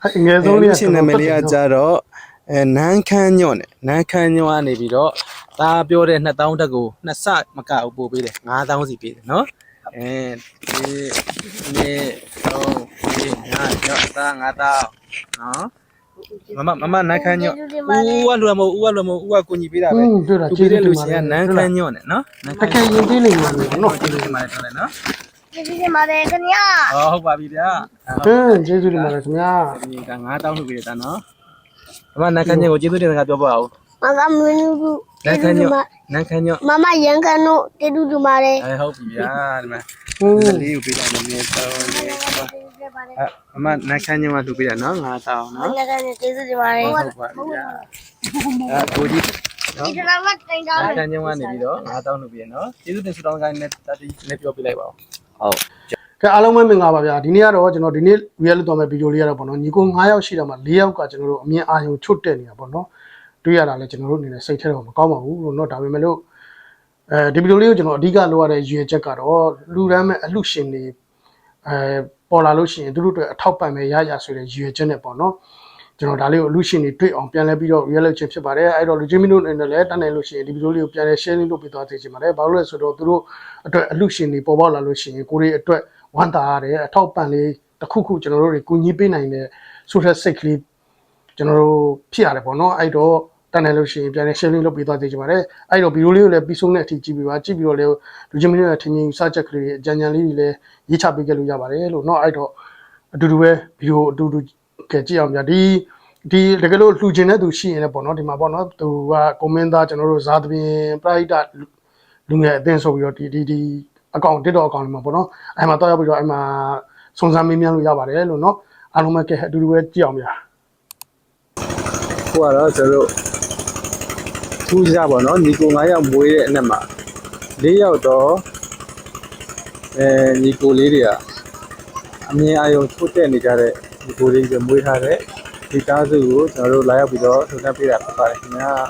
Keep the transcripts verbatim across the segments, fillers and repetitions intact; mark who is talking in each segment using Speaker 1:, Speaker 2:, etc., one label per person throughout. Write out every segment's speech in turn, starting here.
Speaker 1: ငယ်ဆုံးလေးက
Speaker 2: ရှင်နာမည်လေးကကြတော့အဲနန်းခမ်းညော့နဲ့နန်းခမ်းညော့ကနေပြီးတော့ဒါပြောတဲ့နှစ်သောင်းတက်ကိုနှစ်ဆမကဘူးပို့ပေးတယ်ငါးသောင်းစီပေးတယ်နော်အဲဒီနေ့တော့ဒီငါညော့သားငါးသောင်းနော်မမမမနန်းခမ်းညော့ဦးကလူမဟုတ်ဦးကလူမဟုတ်ဦးကကိုကြီးပေးတာပဲသူပေးတဲ့လူချင်းကနန်းခမ်းညော့နဲ့နော်နန်းခမ်း
Speaker 1: တကယ်ရင်သေးလိမ့်မယ်နော်
Speaker 2: ကျေးဇူးတင်ပါတယ်ထားလိုက်နော်
Speaker 3: ကျေးဇူးတင်ပါတယ်ခင်ဗျာ
Speaker 2: ဟောဟုတ်ပါပြီဗျာ
Speaker 1: ဟင်းကျေးဇူးတင်ပါတယ်ခင်ဗျာ
Speaker 2: ဒီကငါးတောင်းလုပ်ပေးတယ်တာနော်မမနန်းခမ်းညော့ကိုကျေးဇူးတင်စကားပြောပါဦး
Speaker 3: မကမင်းတို့
Speaker 2: နန်းခမ်းညော့နန်းခမ်းညော့
Speaker 3: မမရန်ကန်တို့ကျေးဇူးတင်ပါတယ်
Speaker 2: အဲဟုတ်ပြီဗျာဒီမှာ
Speaker 1: ဟင်း
Speaker 2: ဒီလေးကိုပေးတာနည်းနည်းတော့နေအဲမမနန်းခမ်းညော့ကလှူပေးတာနော်ငါးတောင်းနော်
Speaker 3: မကလည်းကျေးဇူးတင်ပါတယ်
Speaker 2: ဟုတ်ပါပြီဗျာအဲကိုကြီးနော်
Speaker 3: ဒီတော့မတိုင်တော့
Speaker 2: နန်းခမ်းညော့ကနေပြီးတော့ငါးတောင်းလှူပေးရနော်ကျေးဇူးတင်ဆုတောင်းကိုင်းနဲ့တတိနဲ့ပြောပြလိုက်ပါဦးဟုတ်
Speaker 1: ကဲအားလုံးပဲမင်္ဂလာပါဗျာဒီနေ့ကတော့ကျွန်တော်ဒီနေ့ real လုပ်သွားမယ့်ဗီဒီယိုလေးကတော့ပေါ့နော်ညီကို၅ယောက်ရှိတာမှာ၄ယောက်ကကျွန်တော်တို့အမြင်အာရုံချွတ်တက်နေတာပေါ့နော်တွေ့ရတာလဲကျွန်တော်တို့အနေနဲ့စိတ်ထဲတော့မကောင်းပါဘူးလို့เนาะဒါပေမဲ့လို့အဲဒီဗီဒီယိုလေးကိုကျွန်တော်အဓိကလိုရတဲ့ရည်ရွယ်ချက်ကတော့လူရမ်းမဲ့အလှရှင်တွေအဲပေါ်လာလို့ရှိရင်သူတို့တွေအထောက်ပံ့မဲ့ရရဆိုတဲ့ရည်ရွယ်ချက်နဲ့ပေါ့နော်ကျွန်တော်ဒါလေးကိုအလှရှင်တွေတွေ့အောင်ပြန်လဲပြီးတော့ real လုပ်ခြင်းဖြစ်ပါတယ်အဲ့တော့လူချင်းမင်းတို့အနေနဲ့လည်းတန်းနိုင်လို့ရှိရင်ဒီဗီဒီယိုလေးကိုပြန်လဲ share လုပ်ပေးသွားစေချင်ပါတယ်ဘာလို့လဲဆိုတော့သူတို့အတွက်အလှရှင်တွေပေါ်ပေါက်လာလို့ရှိရင်ကိုရီအတွက်ဝမ်းသာရတယ်အထောက်ပံ့လေးတစ်ခုခုကျွန်တော်တို့တွေကူညီပေးနိုင်တဲ့ဆိုတဲ့စိတ်ကလေးကျွန်တော်တို့ဖြစ်ရတယ်ပေါ့နော်အဲ့တော့တန်းနိုင်လို့ရှိရင်ပြန်လဲ share လုပ်ပေးသွားစေချင်ပါတယ်အဲ့တော့ဗီဒီယိုလေးကိုလည်းပြီးဆုံးတဲ့အထိကြည့်ပြီးပါကြည့်ပြီးတော့လည်းလူချင်းမင်းတို့ရဲ့ထင်မြင်စချက်ကလေးအကြံဉာဏ်လေးတွေလည်းရေးချပေးခဲ့လို့ရပါတယ်လို့เนาะအဲ့တော့အတူတူပဲဗီဒီယိုအတူတူကကြည့်အောင်ဗျာဒီဒီတကယ်လို့လှူခြင်းတဲ့သူရှိရင်လည်းပေါ့နော်ဒီမှာပေါ့နော်သူကကွန်မန့်သားကျွန်တော်တို့ဇာသပင်ပရိုက်တာလူငယ်အသင်းဆိုပြီးတော့ဒီဒီဒီအကောင့် TikTok အကောင့်လေးမှာပေါ့နော်အဲ့မှာတော့ရောက်ပြီးတော့အဲ့မှာစုံစမ်းမေးမြန်းလို့ရပါတယ်လို့နော်အားလုံးပဲကဲအတူတူပဲကြည့်အောင်ဗျာ
Speaker 2: ခုကတော့ကျွန်တော်တို့ထူးခြားပါတော့ညီကို၅ယောက်မွေးတဲ့အနက်မှာ၄ယောက်တော့အဲညီကိုလေးတွေကအမြင်အာရုံထုတ်တက်နေကြတဲ့ညီကိုလေးတွေမွေးထားတဲ့ဒီကားစုကိုကျွန်တော်တို့လာရောက်ပြီးတော့ထုတ်တက်ပေးတာဖြစ်ပါတယ်ခင်ဗျာ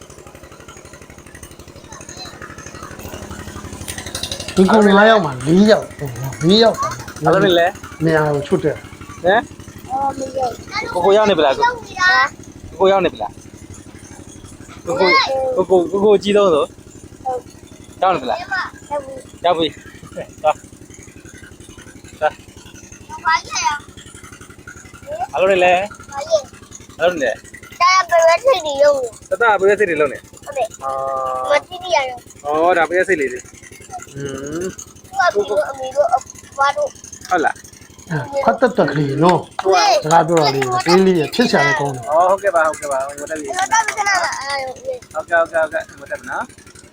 Speaker 1: ဒီကောင်၅ယောက်မှာ၄ယောက်၄ယောက်
Speaker 2: အားလုံးလည်း
Speaker 1: နေရာကိုချွတ်တယ်
Speaker 2: ဟမ်
Speaker 3: အော်မရော
Speaker 2: ကိုကိုရောက်နေပလားကိုကိုရောက်နေပလားကိုကိုကိုကိုကိုကြီးတော့ဆိုရောက်နေပလားရောက်ပြီသွားသွား
Speaker 3: ဘာလဲ
Speaker 2: အားလုံးလည်း
Speaker 3: ဘာလဲ
Speaker 2: အားလုံးလည်း
Speaker 3: တာဘယ်လိုထိနေရော
Speaker 2: တတပေးစိတ်တွေလုံးနေ
Speaker 3: ဟုတ်တယ်
Speaker 2: အာ
Speaker 3: မတိတိရရော
Speaker 2: ဩဒါပေးစိတ်လေးတွေอืม
Speaker 3: သူကပြီးတော့အမေတို့ဘာတို့
Speaker 2: ဟုတ်လား
Speaker 1: ခွတ်တက်တက်ကလေးနော်စကားပြောတာလေးတင်းလေးချစ်ချာလေးကောင်းတယ်
Speaker 2: ဩဟုတ်ကဲ့ပါဟုတ်ကဲ့ပါမတက်လေး
Speaker 3: တော့တော့ကနာလာအဲ
Speaker 2: ဟုတ်ကဲ့ဟုတ်ကဲ့ဟုတ်ကဲ့မတက်နော်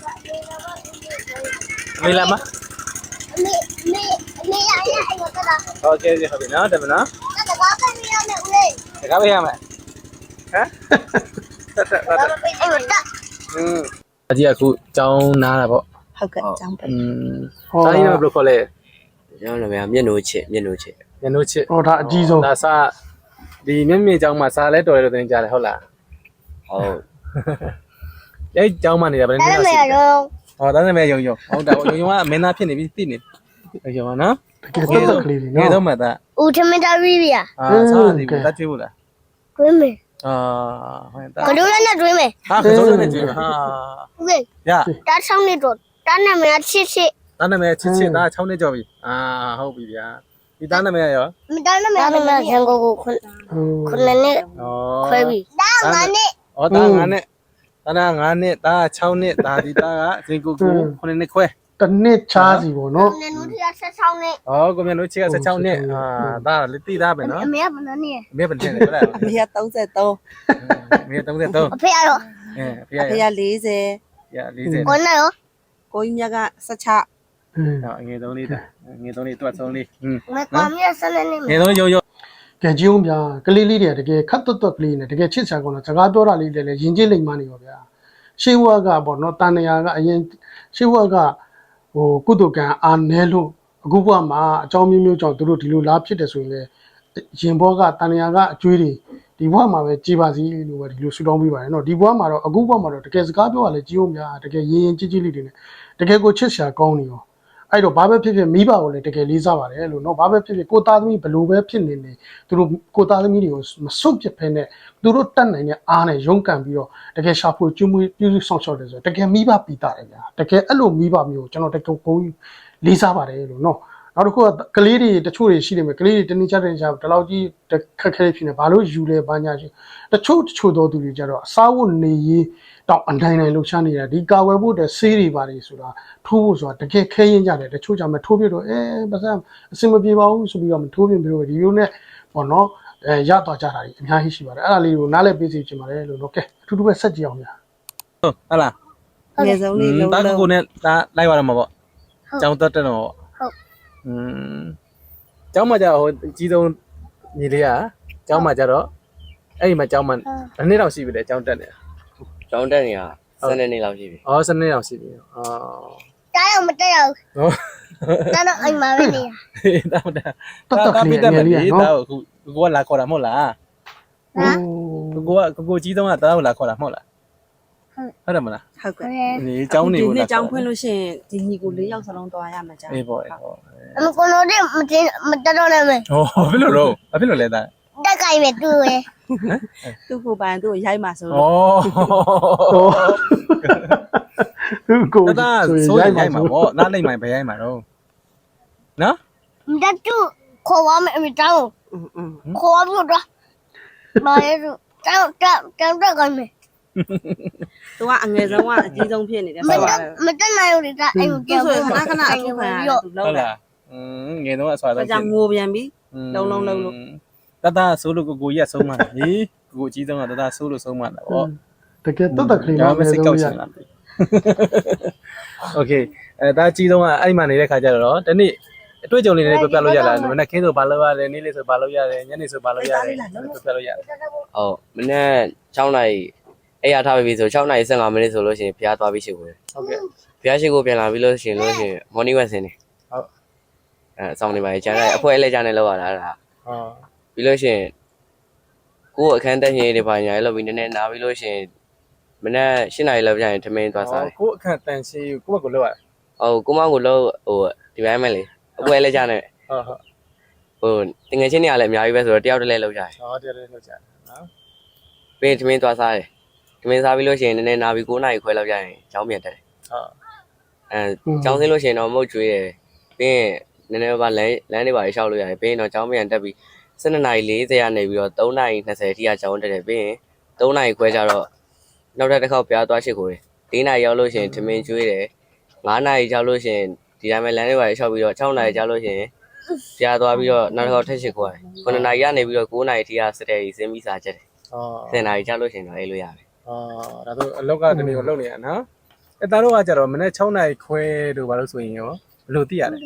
Speaker 2: မေးလာမ
Speaker 3: မေမေမေရရအဲ့တော့တော့
Speaker 2: ဟုတ်ကဲ့ဟုတ်ပြီနော်တက်မနော်
Speaker 3: တော့ဘာပဲရမယ်ဦးလေး
Speaker 2: တကားပေးရမယ်ဟမ်တက်တက်တက်
Speaker 3: ဘာပဲအဲ့တော့
Speaker 2: อืมအကြီးအခုကျောင်းနားတာပေါ့
Speaker 4: ဟုတ်ကဲ့အကြောင်းပဲ
Speaker 2: อืมတားရင်းဘယ်လိုခေါ်လဲ
Speaker 5: ကျွန်တော်လည်းမျက်နှိုးချစ်မျက်နှိုးချစ်
Speaker 2: ညနိုးချစ်
Speaker 1: ဟောဒါအကြီးဆုံး
Speaker 2: ဒါစားဒီမြင့်မြင့်ကျောင်းမှာစားလဲတော်တယ်လို့တင်ကြတယ်ဟုတ်လား
Speaker 5: ဟုတ်
Speaker 2: အဲ့ကျောင်းမှာနေတာဗ
Speaker 3: ဒါ
Speaker 2: ယ်
Speaker 3: လည်းမ
Speaker 2: နေ
Speaker 3: ရတော့
Speaker 2: ဟောဒါနဲ့မဲ့ယုံယုံဟုတ်တာယုံယုံကမင်းသားဖြစ်နေပြီသိနေယုံပါနော်
Speaker 1: တကယ်တက်တက်ကလေး
Speaker 2: ငယ်
Speaker 1: နော်
Speaker 2: တော့မှသာ
Speaker 3: ဦးထမင်းသားရီးပြ
Speaker 2: အာစားတယ်ဘူးတတ်သေးဘူးလား
Speaker 3: တွင်းမယ်
Speaker 2: အာဟုတ်တာ
Speaker 3: ကဒိုးလည်းနဲ့တွင်းမယ်
Speaker 2: ဟာကစိုးနဲ့ကြည့်ဟာ
Speaker 3: ဦးလေး
Speaker 2: ရ
Speaker 3: တားဆောင်နေတော့တားနာမည်ချစ်ချစ်
Speaker 2: ဒါနဲ့မဲ့ချစ်ချစ်သား၆နှစ်ကျော်ပြီအာဟုတ်ပြီဗျာဒီသားနဲ့မဲ့ရော
Speaker 3: မတားနာမည်တားနာမည်ရန်ကုန်ကိုခွန်းခွန်းနဲ့
Speaker 2: ဩ
Speaker 3: ခွဲပြီတားငါနဲ့
Speaker 2: ဩသား၅နှစ်သား၅နှစ်သား၆နှစ်သားဒီသားကဇင်ကိုကို9နှစ်ခွဲ
Speaker 1: တနစ်ချားစီပေါ့နော်
Speaker 3: နင်တို့ထရဆက်ဆောင်နေ
Speaker 2: ဩကိုမြန်တို့ချစ်က၁၆နှစ်အာသားလက်တိသားပဲနော်
Speaker 3: အမေကဘယ်နဲ့နေ
Speaker 2: အမေဘယ်နဲ့လဲဟုတ်လား
Speaker 4: အမေက33
Speaker 2: အမေ33
Speaker 3: အဖေရော
Speaker 2: အဲဖေရ
Speaker 4: အဖေက40
Speaker 2: ရ40
Speaker 3: ကိုနဲ့ရော
Speaker 4: ကိုကြီးမြတ်က16
Speaker 2: အငယ်သုံးလေးတာငယ်သုံးလေးတွတ်ဆုံးလေးဟင်း
Speaker 3: မကွာမြဆက်နေနေ
Speaker 2: ငယ်သုံးရုံရုံ
Speaker 1: ကဲကြည့်အောင်ဗျာကလေးလေးတွေကတကယ်ခတ်တွတ်တွတ်ကလေးနဲ့တကယ်ချစ်ချာကောင်းတော့စကားပြောတာလေးတွေလည်းယဉ်ကျေးလိမ့်မနေပါဗျာရှေးဝါကပေါ့နော်တန်နေရာကအရင်ရှေးဝါကဟိုကုသကံအာနဲလို့အခုဘဝမှာအကြောင်းမျိုးမျိုးကြောင့်သူတို့ဒီလိုလားဖြစ်တယ်ဆိုရင်လည်းရင်ဘောကတန်နေရာကအကျွေးတွေဒီဘဝမှာပဲကြည်ပါစီလို့ပဲဒီလိုဆူတောင်းပေးပါတယ်နော်ဒီဘဝမှာတော့အခုဘဝမှာတော့တကယ်စကားပြောရလဲကြည့်အောင်ဗျာတကယ်ရင်ရင်ကြည်ကြည်လေးတွေနဲ့တကယ်ကိုချစ်ချာကောင်းနေရောအဲ့တော့ဘာပဲဖြစ်ဖြစ်မိဘကိုလည်းတကယ်လေးစားပါတယ်လို့နော်ဘာပဲဖြစ်ဖြစ်ကိုသားသမီးဘလို့ပဲဖြစ်နေနေသူတို့ကိုသားသမီးတွေကိုမစွန့်ပစ်ဖဲနဲ့သူတို့တတ်နိုင်တဲ့အားနဲ့ရုန်းကန်ပြီးတော့တကယ်ရှာဖွေကျွေးမွေးပြုစုဆောင်ရှောက်တယ်ဆိုတော့တကယ်မိဘပီတာတယ်ဗျာတကယ်အဲ့လိုမိဘမျိုးကျွန်တော်တကယ်ကိုလေးစားပါတယ်လို့နော်နောက်တစ်ခုကကလေးတွေတချို့တွေရှိနေမယ်ကလေးတွေတနည်းချတဲ့ချာဒီလောက်ကြီးခက်ခဲဖြစ်နေဘာလို့ယူလဲဘာညာရှိတချို့တချို့သောသူတွေကြတော့အစားဝတ်နေရေးတောင်အတိုင်းတိုင်းလှုပ်ရှားနေတာဒီကာဝယ်ဖို့တဲ့ဆေးတွေပါလေဆိုတာထိုးဖို့ဆိုတာတကယ်ခဲရင်ကြတယ်တချို့ကြမှာထိုးပြတော့အဲပါစံအစင်မပြေပါဘူးဆိုပြီးတော့မထိုးပြပြီးတော့ဒီလိုနဲ့ပေါ့နော်အဲရတော့ကြတာကြီးအများကြီးရှိပါတယ်အဲ့ဒါလေးကိုနားလည်ပေးစီချင်ပါတယ်လို့နော်ကဲအထူးတူပဲဆက်ကြည့်အောင်ဗျာ
Speaker 2: ဟုတ်ဟလား
Speaker 4: ငယ်ဆုံးလေးလုံး
Speaker 2: တာ
Speaker 4: လုံး
Speaker 2: ကိုနဲ့ဒါလိုက်ရတော့မှာပေါ့ကျောင်းတက်တက်တော့
Speaker 3: ဟုတ်
Speaker 2: อืมကျောင်းမှာကျတော့ဟိုအကြီးဆုံးညီလေးကကျောင်းမှာကျတော့အဲ့ဒီမှာကျောင်းမှာဘယ်နှစ်တောင်ရှိပြီလဲကျောင်းတက်နေတာ
Speaker 5: ကျောင်းတက်နေတာစနေနေ့လောက်ရှိပြီ
Speaker 2: အော်စနေတောင်ရှိပြီအော်
Speaker 3: တားတော့မတက်ရဘူး
Speaker 2: ဟုတ်
Speaker 3: တားတော့အိမ်မှာပဲနေတာ
Speaker 2: တာမတာ
Speaker 1: တက်တက်ကလေး
Speaker 2: တက်
Speaker 1: င
Speaker 2: မ
Speaker 1: ယ်လေး
Speaker 2: လေး
Speaker 1: နော်
Speaker 2: ဒါကိုကိုကလာခေါ်တာမဟုတ်လား
Speaker 3: ဟမ်
Speaker 2: ကိုကကိုကိုကြီးဆုံးကတာကိုလာခေါ်တာမဟုတ်လားဟုတ်တယ်မလား
Speaker 4: ဟုတ်ကဲ့
Speaker 2: ဒီကျောင်းနေ
Speaker 4: ဒီ
Speaker 2: ကို
Speaker 4: နေ့
Speaker 2: လာ
Speaker 4: ကျောင်းဖွင့်လို့ရှိရင်ဒီညီကိုလေးယောက်စလုံးသွားရမှာจ้า
Speaker 2: အေးပေါ့အေးပေါ့
Speaker 3: အမကိုလို့မတင်မတက်တော့လည်းမယ်
Speaker 2: ဟောဘယ်လိုတော့ဘယ်လိုလဲတာ
Speaker 3: တက်ကြိုင်မယ်တူရယ်
Speaker 4: သူ့ကိုပိုင်သူ့ကိုရိုက်မှာဆို
Speaker 2: ဩ
Speaker 4: လို့
Speaker 1: သူကို
Speaker 2: တသားဆိုရင်ရိုက်မှာပေါ့နားလိုက်မှဘယ်ရိုက်မှာတော့နော်
Speaker 3: တက်တူခေါ်ပါမယ်အမတောင်း
Speaker 4: อืมอืม
Speaker 3: ခေါ်ပြီးတော့မာရဲသူတောင်းတောင်းတောင်းတက်ကြိုင်မယ်
Speaker 4: သူကအငယ်ဆုံးကအကြီးဆုံးဖြစ်နေတယ်
Speaker 3: မ
Speaker 4: ဆို
Speaker 3: တ
Speaker 4: တော့
Speaker 3: က်မတက်နိုင်ဘူးဒါအိမ်
Speaker 4: သူ
Speaker 3: ကြောက်
Speaker 4: ဆိုခဏခဏအထူးခံရတယ်သူလုံး
Speaker 2: ဟုတ်
Speaker 4: တယ်
Speaker 2: လားอืมငယ်တော့အဆွာတော့
Speaker 4: ဒါကြောင့်ငိုပြန်ပြီလုံးလုံးလုံးလို့
Speaker 2: တသားဆိုလို့ကိုကိုကြီးကဆုံးမဟေးကိုကိုကြီးဆုံးကတသားဆိုလို့ဆုံးမတာပေါ့
Speaker 1: တကယ်တက်တက်ကလေး
Speaker 2: ဒါ
Speaker 1: နော်
Speaker 2: မှစိတ်ကောက်ချင်လားโอเคအဲဒါကြီးဆုံးကအဲ့ဒီမှာနေတဲ့ခါကျတော့တနေ့အတွေ့အကြုံလေးတွေပြပြလို့ရလားမနေ့ခင်းဆိုဘာလုပ်ရတယ်နေ့လေးဆိုဘာလုပ်ရတယ်ညနေဆိုဘာလုပ်ရတယ်ပြပြလို့ရတယ်
Speaker 5: ဟုတ်မနေ့6နာရီအဲ့ရထားပြီဆို6နာရီ15မိနစ်ဆိုလို့ရှိရင်ဖျားသွားပြီးရှိကို
Speaker 2: ဟုတ်ကဲ့
Speaker 5: ဖျားရှိကိုပြန်လာပြီးလို့ရှိရင်လို့ရှိရင် morning walk ဆင်းနေ
Speaker 2: ဟုတ်
Speaker 5: အဲအဆောင်နေပါလေကျန်တဲ့အဖွဲအလဲကျန်နေလောက်ရတာအဲ့ဒါ
Speaker 2: ဟော
Speaker 5: ပြီးလို့ရှိရင်ကိုယ့်အခန်းတက်ရင်တွေပါညာလောက်ပြီးနည်းနည်းနားပြီးလို့ရှိရင်မနေ့၈နာရီလောက်ပြန်ရင်ထမင်းသွားစားတယ်
Speaker 2: ကိုအခန့်တန်ရှင်းကိုကိုကိုလောက်ရ
Speaker 5: ဟုတ်ကိုမောင်ကိုလို့ဟိုဒီပိုင်းမဲ့လေအပွဲလဲကျန်နေ
Speaker 2: ဟုတ်ဟုတ်
Speaker 5: ဟိုတငယ်ချင်းတွေကလည်းအများကြီးပဲဆိုတော့တယောက်တည်းလဲလောက်ကြတယ်
Speaker 2: ဟောတရားလေးလောက်ကြနော်
Speaker 5: ပြီးရင်ထမင်းသွားစားတယ်ထမင်းစားပြီးလို့ရှိရင်နည်းနည်းနားပြီး9နာရီခွဲလောက်ကျရင်ကျောင်းပြန်တက်တယ်
Speaker 2: ဟုတ်
Speaker 5: အဲကျောင်းဆင်းလို့ရှိရင်တော့မဟုတ်ကျွေးတယ်ပြီးရင်နည်းနည်းပါလမ်းလမ်းတွေပါရှောက်လို့ရတယ်ပြီးရင်တော့ကျောင်းပြန်တက်ပြီး၁၂နာရီ၄၀ကနေပြီးတော့၃နာရီ၂၀အထိကကျောင်းတက်တယ်ပြီးရင်၃နာရီခွဲကျတော့နောက်ထပ်တစ်ခေါက်ပြားသွားရှိကိုတယ်၄နာရီရောက်လို့ရှိရင်ထမင်းကျွေးတယ်၅နာရီကျောက်လို့ရှိရင်ဒီတိုင်းပဲလမ်းတွေပါရှောက်ပြီးတော့၆နာရီကျောက်လို့ရှိရင်ပြားသွားပြီးတော့နောက်တစ်ခေါက်ထက်ရှိကိုတယ်9နာရီကနေပြီးတော့9နာရီထိကစတဲ့ကြီးစင်းပြီးစားချက်တယ်
Speaker 2: ဟော
Speaker 5: ၁၀နာရီကျောက်လို့ရှိရင်တော့အေးလို့ရပြီ
Speaker 2: อ๋อဒါဆိုအလောက်ကတနေ့ကိုလုပ်နေရနော်အဲသားတို့ကကြတော့မနေ့6နာရီခွဲတို့ဘာလို့ဆိုရင်ရောဘယ်လိုသိရလဲ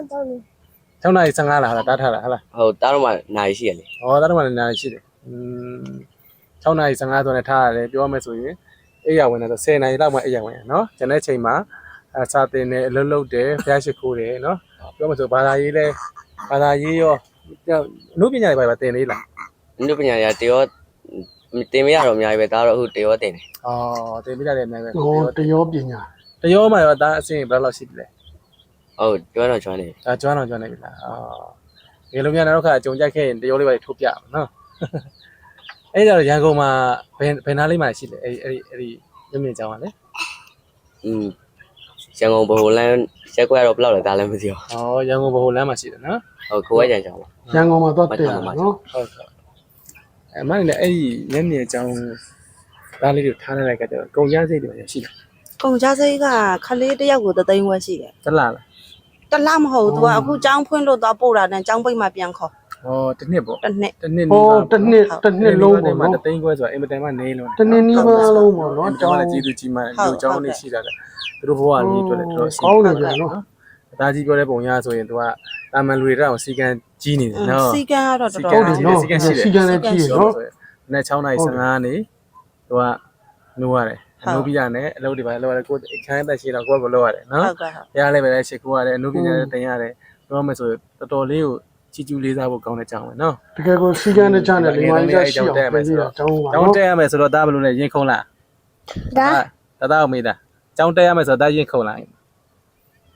Speaker 2: 6နာရီ15လားဟာတားထားတာဟာလား
Speaker 5: ဟုတ်တားတော့မှနာရီရှိရလေ
Speaker 2: ဟောသားတို့မှလည်းနာရီရှိတယ်อืม6နာရီ15ဆိုနေထားရတယ်ပြောမယ်ဆိုရင်အိယာဝင်တယ်ဆို10နာရီလောက်မှအိယာဝင်ရနော်ကျန်တဲ့ချိန်မှာအစာတင်တယ်အလုပ်လုပ်တယ်ဖျားရှိခိုးတယ်နော်ပြောမယ်ဆိုဘာသာရေးလဲဘာသာရေးရောအနုပညာတွေပါတင်လေးလား
Speaker 5: အနုပညာတွေကတရောတင်မရတော့အများကြီးပဲဒါတော့အခုတရောတင်တယ်
Speaker 2: ဩတင်ပြရတယ်အများပဲ
Speaker 1: ဟောတရောပညာ
Speaker 2: တရောမှရောဒါအစင်ဘယ်လောက်ရှိပြီလဲ
Speaker 5: ဟုတ်ကျွမ်းတော့ကျွမ်းနေ
Speaker 2: ဒါကျွမ်းတော့ကျွမ်းနေပြီလားအော်ဒီလိုများနောက်ခါအကြုံကြိုက်ခဲ့ရင်တရောလေးပါထုတ်ပြအောင်နော်အဲ့ဒါတော့ရန်ကုန်မှာဘယ်ဘယ်နားလေးမှာရှိလဲအဲ့အဲ့အဲ့ဒီမြင့်မြင့်ကျောင်းကလေ
Speaker 5: อืมရန်ကုန်ဘိုလန်းရက်ကွက်တော့ဘယ်လောက်လဲဒါလည်းမသိဘူး
Speaker 2: ဩရန်ကုန်ဘိုလမ်းမှာရှိတယ်နော်
Speaker 5: ဟုတ်ခိုးဝဲကြံကြောင်ပါ
Speaker 1: ရန်ကုန်မှာသွားတက်တာနော်
Speaker 2: ဟုတ်ဟုတ်အဲ့မလည်းအဲ့ဒီမြင့်မြင့်ကျောင်းသားလေးတွေထားနေလိုက်ကြတော့ကုန်ကြစိတ်တွေရှိတယ်
Speaker 4: ကုန်ကြစိတ်ကခလေးတစ်ယောက်ကိုသသိန်းဝက်ရှိတယ်
Speaker 2: တလားလား
Speaker 4: တလားမဟုတ် तू ကအခုကျောင်းဖွင့်လို့သွားပို့တာနဲ့ကျောင်းပိတ်မှပြန်ခေါ်
Speaker 2: ဩတစ်နှစ်ပေါ့
Speaker 4: တစ်နှစ်
Speaker 2: တစ်နှစ်
Speaker 1: ဟောတစ်နှစ်တစ်နှစ်လုံးပေါ့
Speaker 2: မှာ
Speaker 1: နော်
Speaker 2: တသိန်းခွဲဆိုတာအင်မတန်မှနေလုံး
Speaker 1: တစ်နှစ်နီးပါးလုံးပေါ့နော်
Speaker 2: ကျော
Speaker 1: ကျော
Speaker 2: င်း
Speaker 1: င်း
Speaker 2: လည်းကျေးဇူးကြီးမှလူကျောင်းနေရှိတာလေသူတို့ဘဝကြီးအတွက်လည်းတော်တော်
Speaker 1: ကောင်းနေပြန်နော်
Speaker 2: ဒါကြီးပြောတဲ့ပုံရဆိုရင် तू ကတာမန်လူတွေတောင်စီကံကြီးနေတယ်နော်
Speaker 4: စီကံကတော့တော်
Speaker 1: ဟုတ်
Speaker 4: တော်
Speaker 1: တယ်နော်စီကံလည်းကြီးရနော်
Speaker 2: နဲ့6နာရီ15နေသူကနိုးရတယ်အနုပညာနဲ့အလုပ်တွေပါလုပ်ရတယ်ကိုယ်အခန်းသက်ရှိတော့ကိုယ့်ကိုလုပ်ရတယ်နော်
Speaker 4: ဟုတ်ကဲ့ဟုတ်
Speaker 2: ရလည်းပဲရှစ်ခိုးရတယ်အနုပညာနဲ့တင်ရတယ်ပြောမယ်ဆိုတော်တော်လေးကိုချီကျူးလေးစားဖို့ကောင်းတဲ့ကြောင်းပဲနော်
Speaker 1: တကယ်ကိုစီကံတဲ့ချမ်းတယ်ဒီမှာကြီးရှိအောင်ပြင်ပြီးတော့ကျောင်းပါ
Speaker 2: ကျောင်း
Speaker 1: နော်
Speaker 2: တက်ရမယ်ဆိုတော့ဒါဘယ်လိုလဲရင်ခုံလား
Speaker 3: ဒါ
Speaker 2: တသားအောင်မေးတာကျောင်းတက်ရမယ်ဆိုတော့ဒါရင်ခုံလား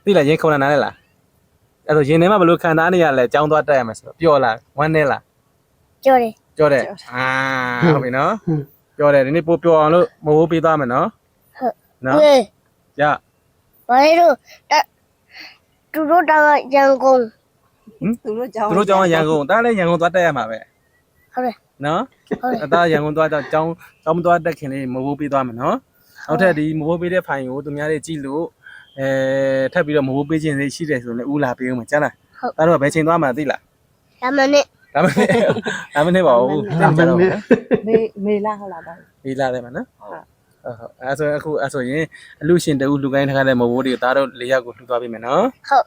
Speaker 2: သိလားရင်ခုန်တာနားလဲလားအဲ့တော့ရင်ထဲမှာဘယ်လိုခံစားနေရလဲចောင်းသွားတက်ရမယ်ဆိုတော့ပျော်လားဝမ်းနေလား
Speaker 3: ကြော်တယ်
Speaker 2: ကြောတယ်အာဟုတ်ပြီနော်ကြောတယ်ဒီနေ့ပို့ပျော်အောင်လို့မဟုတ်ပေးသွားမယ်နော်
Speaker 3: ဟုတ်
Speaker 2: နော်
Speaker 3: ဟေး
Speaker 2: ရ
Speaker 3: ဘာလို့တူတို့တောင်ရန်ကုန်
Speaker 4: သူတို့ကြောင်း
Speaker 2: သူတို့ကျောင်းကရန်ကုန်ဒါလည်းရန်ကုန်သွားတက်ရမှာပဲ
Speaker 3: ဟုတ်တယ်
Speaker 2: နော်
Speaker 3: ဟုတ်တယ်
Speaker 2: အသားရန်ကုန်သွားတော့ကျောင်းကျောင်းမသွားတက်ခင်လေးမဟုတ်ပေးသွားမယ်နော်နောက်ထပ်ဒီမဟုတ်ပေးတဲ့ဖိုင်ကိုသူများတွေကြည့်လို့အဲထပ်ပြီးတော့မဟုတ်ပေးခြင်းလေးရှိတယ်ဆိုရင်လည်းဦးလာပေးဦးမှာကြားလားဒါတော့ဘယ်ချိန်သွားမှာသိလား
Speaker 3: ဒါမှနဲ့
Speaker 2: ဒါမှမဟုတ်ဒါမှမဟုတ်ပါဘူး
Speaker 1: ဒါမှမဟုတ်
Speaker 4: မေမေလာဟုတ်လားပါ
Speaker 2: ဒီလာတယ်မနော်ဟုတ်ဟုတ်အဲဆိုအခုအဲဆိုရင်အလူရှင်တူလူကိုင်းထားတဲ့မဟုတ်တွေကိုဒါတော့လေးယောက်ကိုလှူသွားပေးမယ်နော်
Speaker 3: ဟုတ်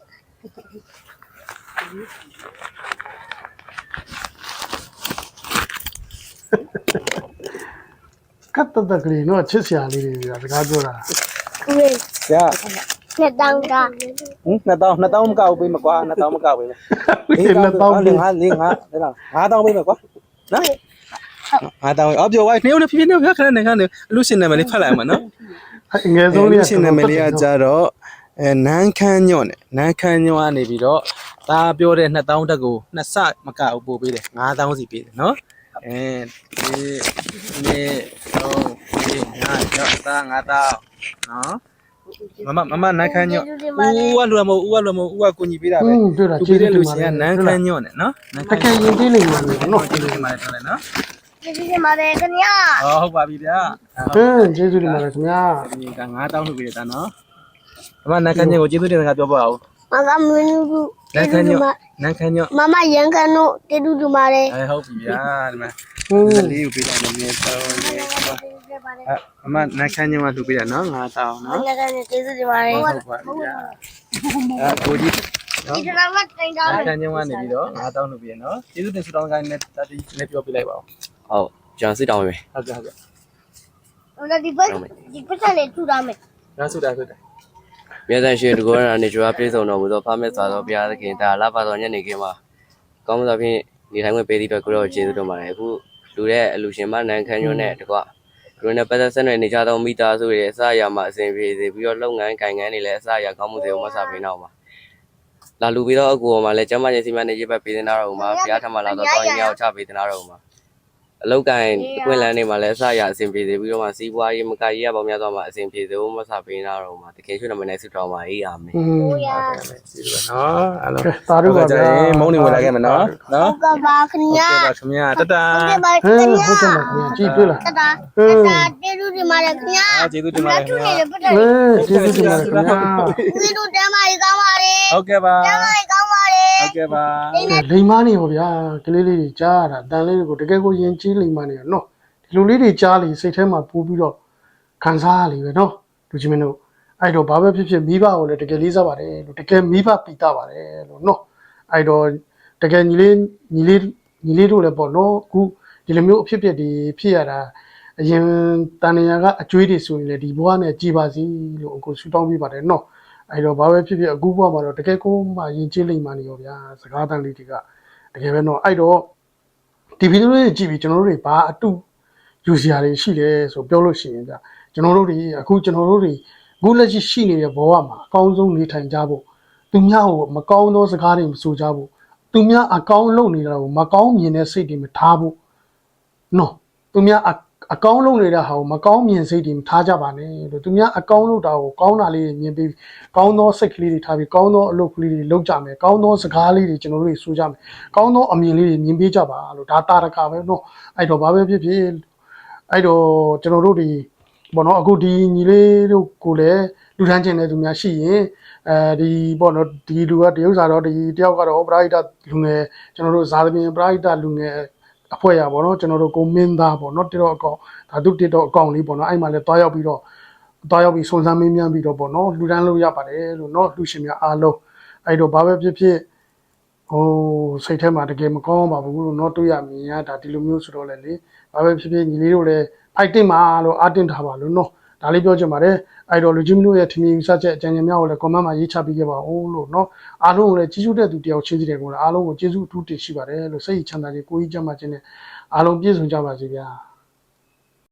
Speaker 1: ကတ်တတကလေးနော်ချစ်စရာလေးတွေပြစကားပြောတာ
Speaker 3: ဦးလေး
Speaker 2: ရ
Speaker 3: နှစ်တောင်းတာ
Speaker 2: ဟင်နှစ်တောင်းနှစ်တောင်းမကောက်ပေးမကွာနှစ်တောင်းမကောက်ပေးမယ်
Speaker 1: ဒီလက်တော့
Speaker 2: လေးငါလေးငါတဲ့လားငါးတောင်းပေးမယ်ကွာနော်ငါးတောင်းအော်ပြောဝိုင်းနေဦးနေဖြည်းဖြည်းနေခဏနေခဏနေအလူရှင်နာမည်လေးဖတ်လိုက်အောင်မနော်
Speaker 1: ငယ်ဆုံးလေး
Speaker 2: အလူရှင်နာမည်လေးကကြတော့အဲနန်းခမ်းညွန့်နဲ့နန်းခမ်းညွန့်ကနေပြီးတော့ဒါပြောတဲ့နှစ်တောင်းတက်ကိုနှစ်ဆမကဘူးပို့ပေးတယ်ငါးတောင်းစီပေးတယ်နော်အဲဒီနေ့တော့ဒီငါတော့သားငါတောင်းနော်မမမမနန်းခမ်းညွန့်ဦးကလူမဟုတ်ဦးကလူမဟုတ်ဦးကကိုကြီးပေးတာပဲ
Speaker 1: อืมတွေ့တာ
Speaker 2: သူ
Speaker 1: ကျေး
Speaker 2: ပေး
Speaker 1: ဇူး
Speaker 2: တဲ့လူ
Speaker 1: တင်ပါ
Speaker 2: ရှင်
Speaker 1: တ
Speaker 2: က
Speaker 1: ယ်
Speaker 2: နန်းခမ်းညွန့်နဲ့နော်နန်း
Speaker 1: တကယ်ရင်သေးလိမ့်မယ်နော်
Speaker 2: ကျေးဇူးတင်ပါတယ်ဆိုလဲနော်
Speaker 3: ကျေးဇူးတင်ပါတယ်ခင်ဗျာ
Speaker 2: ဟောဟုတ်ပါပြီဗျာ
Speaker 1: ဟင်းကျေးဇူးတင်ပါတယ်ခင်ဗျာ
Speaker 2: ဒီကငါးတောင်းထုတ်ပေးတာနော်အမနန်းခမ်းညွန့်ကိုကျေးဇူးတင်စကားပြောပါဦး
Speaker 3: မကမင်းတို့
Speaker 2: နန်းခမ်းညွန့်နန်းခမ်းညွန့်
Speaker 3: မမရန်ကန်တို့ကျေးဇူးတင်ပါတယ်
Speaker 2: အဲဟုတ်ပြီဗျာဒီမှာ
Speaker 1: ဟင်း
Speaker 2: ဒီလေးကိုပေးတာလည်းနည်းတော့အမနန်းခမ်းညွန့်ကသူပေးတာနော်ငါးတောင်းနော်
Speaker 3: ငါကနေကျေးဇူးတင်ပါတယ်
Speaker 2: ဟုတ်ပါပြီဗျာအဲကိုကြီးနော်
Speaker 3: ဒီကနေ့တင်တာ
Speaker 2: နန်းခမ်းညွန့်ကနေပြီးတော့ငါးတောင်းလုပ်ပြီးရနော်ကျေးဇူးတင်ဆုတောင်းကိုင်းနဲ့တတိနဲ့ပြောပြလိုက်ပါဦး
Speaker 5: ဟုတ်ကျွန်တော်စစ်တောင်းပေးမယ်
Speaker 2: ဟုတ်ကဲ့ဟုတ်ကဲ့
Speaker 3: ဟိုဒီပတ်ဒီပတ်လေးထူတာမယ်
Speaker 2: ရဆုတာဆုတာ
Speaker 5: မြေဆိုင်ရှင်တကောရနေကြွားပြေဆုံးတော်မူသောဖမက်စွာသောဘုရားသခင်ဒါလာပါတော်ညနေခင်းမှာကောင်းမှုသောဖြင့်နေထိုင်ခွင့်ပေးသည့်အတွက်ကိုရောကျေးဇူးတင်ပါတယ်အခုလူတဲ့အလူရှင်မနန်းခမ်းညွန့်နဲ့တကွလူနဲ့ပတ်သက်ဆက်နွယ်နေကြသောမိသားစုတွေအစအရာမှာအစဉ်ပြေစေပြီးတော့လုပ်ငန်းကိုင်ငန်းတွေလည်းအစအရာကောင်းမှုတွေကိုမဆပေးတော့ပါလာလူပြီးတော့အကူပေါ်မှာလည်းကျမချင်းစီမံနေရေးပတ်ပေးနေတာတော့မှာဘုရားထမလာတော့တောင်းရင်ရောက်ချပေးနေတာတော့မှာအလောက်ကိုင်ကွင်လန်းတွေမှာလည်းအစအရာအစဉ်ပြေစေပြီးတော့မှစီးပွားရေးမကရေးရပေါင်းများစွာမှာအစဉ်ပြေစေဖို့မဆပေးနေတာတော့မှာတကယ်ရွှေနမနဲ့ဆုတောင်းပါအေးအာမင်
Speaker 1: ဟင်း
Speaker 3: ဟိုရ
Speaker 2: ကျေးဇူးပါနော်အားလုံး
Speaker 1: သာဓုပါဗျာ
Speaker 2: မုန်းနေဝင်လာခဲ့မယ်နော်နော်
Speaker 3: ကပါခင်ဗျာ
Speaker 2: ပါခင်ဗျာတတ
Speaker 3: ဟုတ်ကဲ့ပါ
Speaker 1: ဟ
Speaker 3: ခင်
Speaker 1: င်း
Speaker 3: ဗျာ
Speaker 1: ဟုတ်ကဲ့ပါခင်ဗျာကြည့်တွေ့လား
Speaker 3: တတာတတာကျေးဇူးတင်ပါတယ်ခင်ဗျာ
Speaker 2: အားကျေးဇူးတင်ပါတယ်ခင်ဗျာ
Speaker 3: တူနေပတ်တယ်
Speaker 1: ဟင်းကျေးဇူးတင်ပါတယ်ခင်ဗျာ
Speaker 3: ဦးလေးတို့တမ်းပါရေးကောင်းပါလေ
Speaker 2: ဟုတ်ကဲ့ပါ
Speaker 3: တမ်းပါရေးကောင်းပါလေ
Speaker 2: ဟုတ်ကဲ့ပါ
Speaker 1: လိမ်မနေဟောဗျာကလေးလေးတွေကြားရတာတန်လေးတွေကိုတကယ်ကိုယဉ်ကျေးလိမ်မနေရနော်ဒီလိုလေးတွေကြားလေစိတ်ထဲမှာပိုးပြီးတော့ခံစားရလေပဲနော်လူချင်းမင်းတို့အဲ့တော့ဘာပဲဖြစ်ဖြစ်မိဘကိုလည်းတကယ်လေးစားပါတယ်လို့တကယ်မိဘပိတာပါတယ်လို့နော်အဲ့တော့တကယ်ညီလေးညီလေးညီလေးတို့လည်းပေါ့နော်အခုဒီလိုမျိုးအဖြစ်အပျက်တွေဖြစ်ရတာအရင်တန်နေရကအကျွေးတွေဆိုရင်လည်းဒီဘဝနဲ့ကြည်ပါစီလို့အခုဆူတောင်းပေးပါတယ်နော်အဲ့တော့ဘာပဲဖြစ်ဖြစ်အခုဘဝမှာတော့တကယ်ကိုမှယဉ်ကျေးလိမ်မနေရောဗျာစကားတန်လေးတွေကတကယ်ပဲနော်အဲ့တော့ဒီဗီဒီယိုလေးကြည့်ပြီးကျွန်တော်တို့တွေဘာအတူယူစရာတွေရှိလဲဆိုပြောလို့ရှိရင်ဗျကျွန်တော်တို့တွေအခုကျွန်တော်တို့တွေအခုလက်ရှိရှိနေတဲ့ဘဝမှာအကောင်းဆုံးနေထိုင်ကြဖို့သူများကိုမကောင်းသောစကားတွေမဆိုကြဖို့သူများအကောင်းလုပ်နေတာကိုမကောင်းမြင်တဲ့စိတ်တွေမထားဖို့နော်သူများအကောင်းလုပ်နေတာဟာကိုမကောင်းမြင်စိတ်တွေမထားကြပါနဲ့လို့သူများအကောင်းလုပ်တာကိုကောင်းတာလေးတွေမြင်ပြီးကောင်းသောစိတ်ကလေးတွေထားပြီးကောင်းသောအလုပ်ကလေးတွေလုပ်ကြမယ်ကောင်းသောစကားလေးတွေကျွန်တော်တို့တွေဆိုကြမယ်ကောင်းသောအမြင်လေးတွေမြင်ပေးကြပါလို့ဒါတာရကပဲနော်အဲ့တော့ဘာပဲဖြစ်ဖြစ်အဲ့တော့ကျွန်တော်တို့ဒီဘောနော်အခုဒီညီလေးတို့ကိုလည်းလူထမ်းကျင်တဲ့သူများရှိရင်အဲဒီဘောနော်ဒီလူကတရုပ်စာတော့ဒီတယောက်ကတော့ပရိဒတ်လူငယ်ကျွန်တော်တို့ဇာသပင်ပရိဒတ်လူငယ်အဖွဲ့ရပါတော့ကျွန်တော်တို့ကိုမင်းသားပေါ့နော်တစ်တော့အကောင်ဒါသူတစ်တော့အကောင်လေးပေါ့နော်အဲ့မှာလည်းတွားရောက်ပြီးတော့တွားရောက်ပြီးစုံစမ်းမင်းမြန်းပြီးတော့ပေါ့နော်လူတန်းလို့ရပါတယ်လို့နော်လူရှင်များအားလုံးအဲ့တော့ဘာပဲဖြစ်ဖြစ်ဟိုစိတ်ထဲမှာတကယ်မကောင်းပါဘူးလို့နော်တွေ့ရမြင်ရဒါဒီလိုမျိုးဆိုတော့လေလေဘာပဲဖြစ်ဖြစ်ညီလေးတို့လည်းဖိုက်တင်ပါလို့အားတင်ထားပါလို့နော်ဒါလေးပြောချင်ပါတယ်အဲ့တော့လူချင်းမျိုးရဲ့ထင်မြင်စချက်အကြံဉာဏ်များကိုလည်း comment မှာရေးချပေးခဲ့ပါဦးလို့နော်အားလုံးကိုလည်းကျေးဇူးတဲ့သူတယောက်ချင်းစီတယ်ကိုလည်းအားလုံးကိုကျေးဇူးအထူးတင်ရှိပါတယ်လို့စိတ်ချမ်းသာခြင်းကိုယ်ကြီးကြမ်းမှခြင်းနဲ့အားလုံးပြည့်စုံကြပါစေဗျာ